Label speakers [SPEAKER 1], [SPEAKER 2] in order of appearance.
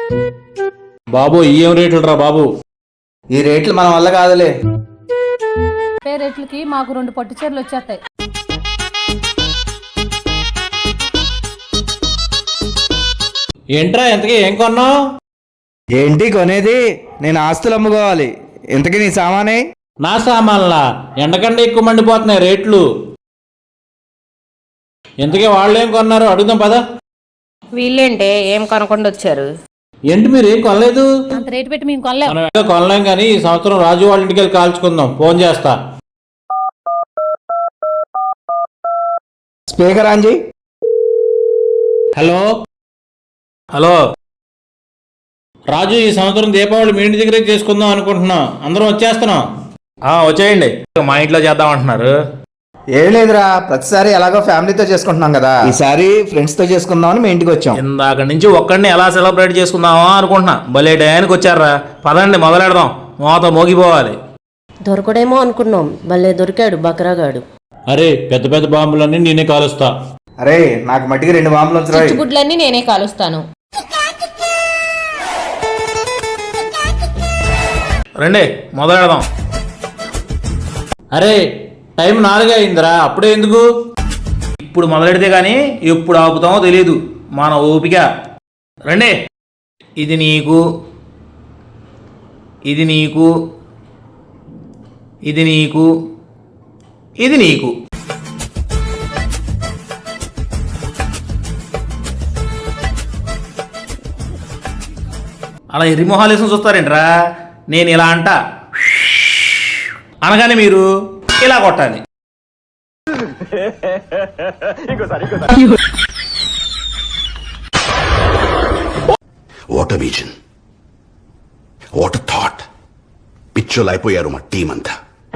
[SPEAKER 1] బాబు ఏం రేట్లు రా బాబు?
[SPEAKER 2] ఈ రేట్లు మన వల్ల కాదులే.
[SPEAKER 3] రేట్లకి మాకు 2 పట్టు చీరలు వచ్చేస్తాయి.
[SPEAKER 1] ఏంట్రా ఇంతకీ ఏం కొన్నావు?
[SPEAKER 2] ఏంటి కొనేది? నేను ఆస్తులు అమ్ముకోవాలి. ఇంతకీ నీ సామానే?
[SPEAKER 1] నా సామాన్లా? ఎండకంటే ఎక్కువ మండిపోతున్నాయి రేట్లు. ఇంతకీ వాళ్ళు ఏం కొన్నారు అడుగుదాం పదా.
[SPEAKER 4] వీళ్ళేంటే ఏం కొనకుండా వచ్చారు?
[SPEAKER 1] ఏంటి మీరు ఏం కొనలేదు?
[SPEAKER 3] అంత రేటు పెట్టి మేము కొనలేం.
[SPEAKER 1] మనం ఏదో కొనలేం కానీ ఈ సంవత్సరం రాజు వాళ్ళ ఇంటికి వెళ్ళి కాల్చుకుందాం. ఫోన్ చేస్తా.
[SPEAKER 2] స్పీకర్ ఆన్ చేయి.
[SPEAKER 1] హలో హలో రాజు, ఈ సంవత్సరం దీపావళి మీ ఇంటి దగ్గరే చేసుకుందాం అనుకుంటున్నాం. అందరం వచ్చేస్తున్నాం. వచ్చేయండి. మా ఇంట్లో చేద్దాం అంటున్నారు.
[SPEAKER 2] ఏం లేదురా, ప్రతిసారి ఎలాగో ఫ్యామిలీతో చేసుకుంటున్నాం కదా, ఈసారి ఫ్రెండ్స్ తో చేసుకుందామని మీ ఇంటికి వచ్చాం.
[SPEAKER 1] ఇందాక నుంచి ఒక్కడిని ఎలా సెలబ్రేట్ చేసుకుందామా అనుకుంటున్నా. భలే టయానికి వచ్చారా. పదండి మొదలెడదాం. మోత మోగిపోవాలి.
[SPEAKER 4] దొరకడేమో అనుకున్నాం, భలే దొరికాడు బకరాగాడు.
[SPEAKER 1] అరే పెద్ద పెద్ద బాంబులన్నీ నేనే కాలుస్తా.
[SPEAKER 2] అరే నాకు మట్టికి 2 బాంబులు వచ్చాయి.
[SPEAKER 4] గుడ్లన్నీ నేనే కాలుస్తాను.
[SPEAKER 1] రండి మొదలెడదాం. అరే టైం 4 అయిందిరా, అప్పుడే ఎందుకు? ఇప్పుడు మొదలెడితే గానీ ఎప్పుడు ఆపుతామో తెలియదు. మన ఓపిక. రండి. ఇది నీకు, ఇది నీకు, ఇది నీకు, ఇది నీకు. అలా ఎర్రిమొహాలు వేసుకుని చూస్తారేంట్రా? నేను ఇలా అంట అనగానే మీరు ఇలా కొట్టాలి.
[SPEAKER 5] What vision, what thought. పిచ్చోలు అయిపోయారు మా టీం అంతా.